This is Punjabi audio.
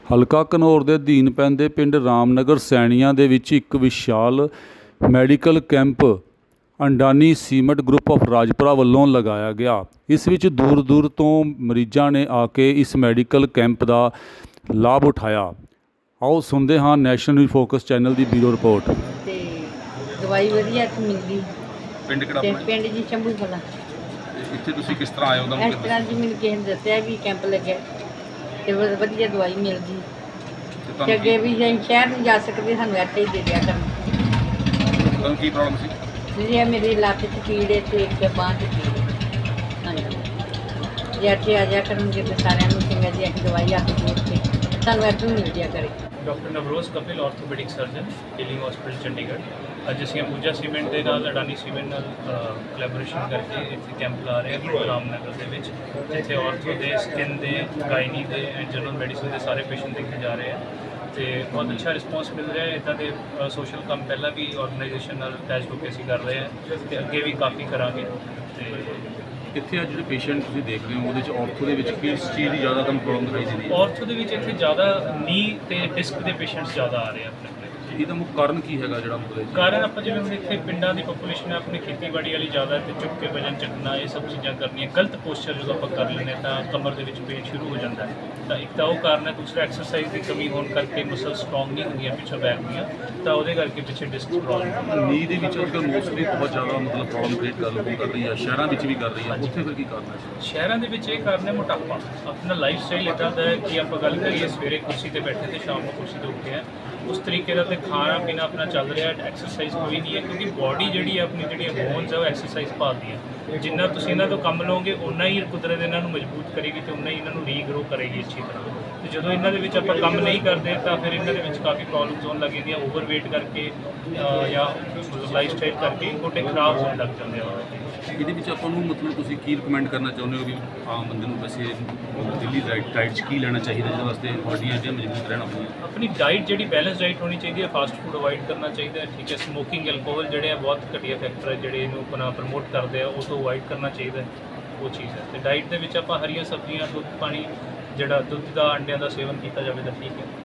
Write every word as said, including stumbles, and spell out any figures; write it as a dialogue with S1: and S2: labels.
S1: ਹਲਕਾ ਘਨੌਰ ਦੇ ਅਧੀਨ ਪੈਂਦੇ ਪਿੰਡ ਰਾਮਨਗਰ ਸੈਣੀਆਂ ਦੇ ਵਿੱਚ ਇੱਕ ਵਿਸ਼ਾਲ medical camp Adani cement group of Rajpura ਵੱਲੋਂ ਲਗਾਇਆ ਗਿਆ। ਇਸ ਵਿੱਚ ਦੂਰ ਦੂਰ ਤੋਂ ਮਰੀਜ਼ਾਂ ਨੇ ਆ ਕੇ ਇਸ ਮੈਡੀਕਲ ਕੈਂਪ ਦਾ ਲਾਭ ਉਠਾਇਆ। ਆਓ ਸੁਣਦੇ ਹਾਂ ਨੈਸ਼ਨਲ ਫੋਕਸ ਚੈਨਲ ਦੀ ਬਿਊਰੋ ਰਿਪੋਰਟ।
S2: ਤੇ ਦਵਾਈ ਵਧੀਆ ਇੱਥੇ ਮਿਲਦੀ।
S1: ਪਿੰਡ ਕਿਹੜਾ
S2: ਤੇ
S1: ਆਪਣਾ?
S2: ਪਿੰਡ ਜੀ ਸ਼ੰਭੂ ਕਲਾਂ।
S1: ਇੱਥੇ ਤੁਸੀਂ ਕਿਸ ਤਰ੍ਹਾਂ ਆਏ ਹੋ?
S2: ਇਸ ਤਰ੍ਹਾਂ ਜੀ ਮੈਨੂੰ ਕਿਸੇ ਨੇ ਦੱਸਿਆ ਵੀ ਕੈਂਪ ਲੱਗਿਆ ਤੇ ਵ- ਵਧੀਆ ਦਵਾਈ ਮਿਲਦੀ ਤੇ ਅੱਗੇ ਵੀ ਜੇ ਅਸੀਂ ਸ਼ਹਿਰ ਨੂੰ ਜਾ ਸਕਦੇ ਸਾਨੂੰ ਇੱਥੇ ਹੀ ਦੇ ਦਿਆ ਕਰਨ।
S1: ਤੁਹਾਨੂੰ ਕੀ ਪ੍ਰੋਬਲਮ ਸੀ?
S2: ਜੀ ਮੇਰੀ ਲੱਤ 'ਚ ਪੀੜ ਹੈ ਤੇ ਇੱਕ ਬਾਂਹ 'ਚ ਪੀੜ ਹੈ। ਹਾਂਜੀ ਜੇ ਇੱਥੇ ਆ ਜਾ ਕਰਨਗੇ ਤੇ ਸਾਰਿਆਂ ਨੂੰ ਚੰਗਾ ਜੀ ਅਸੀਂ ਦਵਾਈ ਆ ਕੇ ਦੇ ਕੇ ਸਾਨੂੰ ਇੱਥੋਂ ਮਿਲ ਜਿਆ ਕਰੇ।
S3: Doctor Navroz Kapil orthopaedic surgeon healing hospital Chandigarh. ਅੱਜ ਅਸੀਂ ਅੰਬੂਜਾ ਸੀਮੈਂਟ ਦੇ ਨਾਲ ਅਡਾਨੀ ਸੀਮੈਂਟ ਨਾਲ ਕੋਲੈਬੋਰੇਸ਼ਨ ਕਰਕੇ ਇੱਥੇ ਕੈਂਪ ਲਾ ਰਹੇ ਹਾਂ ਰਾਮਨਗਰ ਦੇ ਵਿੱਚ, ਜਿੱਥੇ ਆਰਥੋ ਦੇ, ਸਕਿਨ ਦੇ, ਗਾਇਨੀ ਦੇ ਐਂਡ ਜਨਰਲ ਮੈਡੀਸਿਨ ਦੇ ਸਾਰੇ ਪੇਸ਼ੈਂਟ ਦੇਖੇ ਜਾ ਰਹੇ ਆ ਤੇ ਬਹੁਤ ਅੱਛਾ ਰਿਸਪੌਂਸ ਮਿਲ ਰਿਹਾ ਹੈ। ਇੱਦਾਂ ਦੇ ਸੋਸ਼ਲ ਕੰਮ ਪਹਿਲਾਂ ਵੀ ਆਰਗੇਨਾਈਜੇਸ਼ਨ ਨਾਲ ਅਟੈਚ ਹੋ ਕੇ ਅਸੀਂ ਕਰ ਰਹੇ ਹਾਂ ਤੇ ਅੱਗੇ ਵੀ ਕਾਫੀ ਕਰਾਂਗੇ। ਤੇ
S1: ਇੱਥੇ ਅੱਜ ਜਿਹੜੇ ਪੇਸ਼ੈਂਟ ਤੁਸੀਂ ਦੇਖ ਰਹੇ ਹੋ ਉਹਦੇ ਵਿੱਚ ਆਰਥੋ ਦੇ ਵਿੱਚ ਕਿਸ ਚੀਜ਼ ਦੀ ਜ਼ਿਆਦਾ ਤੁਹਾਨੂੰ ਪ੍ਰੋਬਲਮ ਦਿਖਾਈ ਦਿੰਦੀ ਹੈ?
S3: ਆਰਥੋ ਦੇ ਵਿੱਚ ਇੱਥੇ ਜ਼ਿਆਦਾ ਨੀ ਤੇ ਡਿਸਕ ਦੇ ਪੇਸ਼ੈਂਟਸ ਜ਼ਿਆਦਾ ਆ ਰਹੇ ਆ ਆਪਣੇ ਕੋਲ।
S1: ਇਹਦਾ ਮੁੱਖ ਕਾਰਨ ਕੀ ਹੈਗਾ ਜਿਹੜਾ ਮਤਲਬ
S3: ਕਾਰਨ ਆਪਾਂ ਜਿਵੇਂ ਹੁਣ ਇੱਥੇ ਪਿੰਡਾਂ ਦੀ ਪੋਪੂਲੇਸ਼ਨ ਹੈ, ਆਪਣੀ ਖੇਤੀਬਾੜੀ ਵਾਲੀ ਜ਼ਿਆਦਾ ਤੇ ਚੁੱਕ ਕੇ ਵਜਨ ਚੱਕਣਾ, ਇਹ ਸਭ ਚੀਜ਼ਾਂ ਕਰਨੀਆਂ, ਗਲਤ ਪੋਸਚਰ ਜਦੋਂ ਆਪਾਂ ਕਰ ਲੈਂਦੇ ਤਾਂ ਕਮਰ ਦੇ ਵਿੱਚ ਪੇਨ ਸ਼ੁਰੂ ਹੋ ਜਾਂਦਾ ਹੈ। ਤਾਂ ਇੱਕ ਤਾਂ ਉਹ ਕਾਰਨ ਹੈ, ਦੂਸਰਾ ਐਕਸਰਸਾਈਜ਼ ਦੀ ਕਮੀ ਹੋਣ ਕਰਕੇ ਮਸਲ ਸਟਰੋਂਗ ਨਹੀਂ ਹੁੰਦੀਆਂ ਪਿੱਛੋਂ ਬੈਕ ਦੀਆਂ, ਤਾਂ ਉਹਦੇ ਕਰਕੇ ਪਿੱਛੇ ਡਿਸਕ ਪ੍ਰੋਬਲਮ।
S1: ਨੀ ਦੇ ਵਿੱਚ ਅੱਜਕੱਲ੍ਹ ਮੋਸਟਲੀ ਬਹੁਤ ਜ਼ਿਆਦਾ ਮਤਲਬ ਪ੍ਰੋਬਲਮ ਕ੍ਰੀਏਟ ਕਰ ਲੋਕਾਂ ਕਰ ਰਹੀ ਹੈ, ਸ਼ਹਿਰਾਂ ਵਿੱਚ ਵੀ ਕਰ ਰਹੀ ਹੈ, ਉੱਥੇ ਫਿਰ ਕੀ ਕਾਰਨ ਹੈ?
S3: ਸ਼ਹਿਰਾਂ ਦੇ ਵਿੱਚ ਇਹ ਕਾਰਨ ਹੈ ਮੋਟਾਪਾ। ਆਪਣਾ ਲਾਈਫ ਸਟਾਈਲ ਇੱਦਾਂ ਦਾ ਹੈ ਕਿ ਆਪਾਂ ਗੱਲ ਕਰੀਏ ਸਵੇਰੇ ਕੁਰਸੀ ਤੇ ਬੈਠੇ ਤੇ ਸ਼ਾਮ ਨੂੰ ਕੁਰਸੀ ਤੇ ਉੱਠੇ ਆ, ਉਸ ਤਰੀਕੇ ਦਾ ਤੇ ਖਾਣਾ ਪੀਣਾ ਆਪਣਾ ਚੱਲ ਰਿਹਾ, ਐਕਸਰਸਾਈਜ਼ ਕੋਈ ਨਹੀਂ ਹੈ ਕਿਉਂਕਿ ਬਾਡੀ ਜਿਹੜੀ ਹੈ ਆਪਣੀ ਜਿਹੜੀਆਂ ਬੋਨਸ ਹੈ ਉਹ ਐਕਸਰਸਾਈਜ਼ ਭਾਲਦੀ ਹੈ। ਜਿੰਨਾ ਤੁਸੀਂ ਇਹਨਾਂ ਤੋਂ ਕੰਮ ਲਓਗੇ ਉਨਾ ਹੀ ਕੁਦਰਤ ਇਹਨਾਂ ਨੂੰ ਮਜ਼ਬੂਤ ਕਰੇਗੀ ਤੇ ਉਨਾ ਹੀ ਇਹਨਾਂ ਨੂੰ ਰੀਗਰੋ ਕਰੇਗੀ ਅੱਛੀ ਤਰ੍ਹਾਂ। ਤੇ ਜਦੋਂ ਇਹਨਾਂ ਦੇ ਵਿੱਚ ਆਪਾਂ ਕੰਮ ਨਹੀਂ ਕਰਦੇ ਤਾਂ ਫਿਰ ਇਹਨਾਂ ਦੇ ਵਿੱਚ ਕਾਫੀ ਪ੍ਰੋਬਲਮਸ ਹੋਣ ਲੱਗ ਜਾਂਦੀਆਂ, ਓਵਰਵੇਟ ਕਰਕੇ ਜਾਂ ਲਾਈਫ ਸਟਾਈਲ ਕਰਕੇ ਗੋਡੇ ਖਰਾਬ ਹੋਣ ਲੱਗ ਜਾਂਦੇ ਆ।
S1: ਇਹਦੇ ਵਿੱਚ ਆਪਾਂ ਨੂੰ ਮਤਲਬ ਤੁਸੀਂ ਕੀ ਰਿਕਮੈਂਡ ਕਰਨਾ ਚਾਹੁੰਦੇ ਹੋ ਵੀ ਆਮ ਬੰਦੇ ਨੂੰ ਵੈਸੇ ਦਿੱਲੀ ਡਾਈਟ ਡਾਈਟ 'ਚ ਕੀ ਲੈਣਾ ਚਾਹੀਦਾ ਜਿਹਦੇ ਵਾਸਤੇ ਬਾਡੀਆਂ ਜਿਹੜੀਆਂ ਮਜ਼ਬੂਤ ਰਹਿਣ ਆਪਣੀਆਂ?
S3: ਆਪਣੀ ਡਾਈਟ ਜਿਹੜੀ ਬੈਲੈਂਸ ਡਾਈਟ ਹੋਣੀ ਚਾਹੀਦੀ ਹੈ, ਫਾਸਟ ਫੂਡ ਅਵਾਇਡ ਕਰਨਾ ਚਾਹੀਦਾ ਹੈ, ਠੀਕ ਹੈ। ਸਮੋਕਿੰਗ, ਐਲਕੋਹਲ ਜਿਹੜੇ ਆ ਬਹੁਤ ਘਟੀਆ ਫੈਕਟਰ ਹੈ ਜਿਹੜੇ ਇਹਨੂੰ ਆਪਣਾ ਪ੍ਰਮੋਟ ਕਰਦੇ ਆ, ਉਹ ਤੋਂ ਅਵਾਇਡ ਕਰਨਾ ਚਾਹੀਦਾ ਹੈ, ਉਹ ਚੀਜ਼ ਹੈ। ਤੇ ਡਾਈਟ ਦੇ ਵਿੱਚ ਆਪਾਂ ਹਰੀਆਂ ਸਬਜ਼ੀਆਂ, ਦੁੱਧ, ਪਾਣੀ, ਜਿਹੜਾ ਦੁੱਧ ਦਾ, ਅੰਡਿਆਂ ਦਾ ਸੇਵਨ ਕੀਤਾ ਜਾਵੇ ਤਾਂ ਠੀਕ ਹੈ।